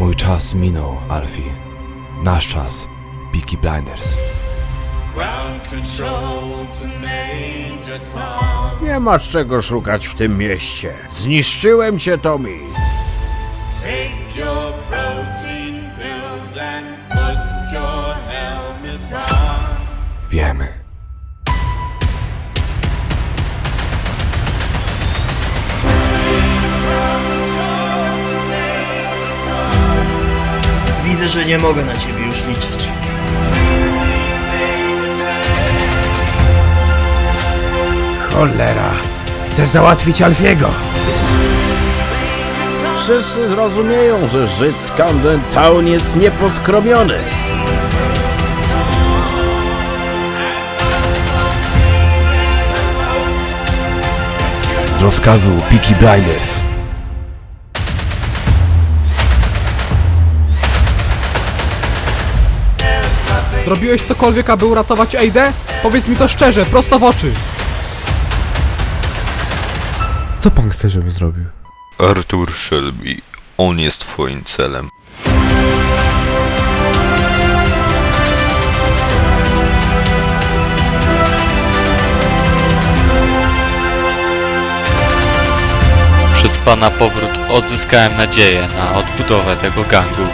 Mój czas minął, Alfie. Nasz czas. Peaky Blinders. Nie masz czego szukać w tym mieście. Zniszczyłem cię, Tommy. Take your protein pills and put your helmet on. Wiemy. Widzę, że nie mogę na ciebie już liczyć. Cholera. Chcę załatwić Alfiego. Wszyscy zrozumieją, że Żyd z Camden Town jest nieposkromiony. Z rozkazu Peaky Blinders. Zrobiłeś cokolwiek, aby uratować Aidę? Powiedz mi to szczerze, prosto w oczy. Co pan chce, żebym zrobił? Arthur Shelby, on jest twoim celem. Przez pana powrót odzyskałem nadzieję na odbudowę tego gangu.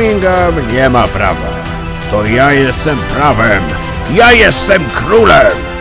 Birmingham nie ma prawa. To ja jestem prawem. Ja jestem królem.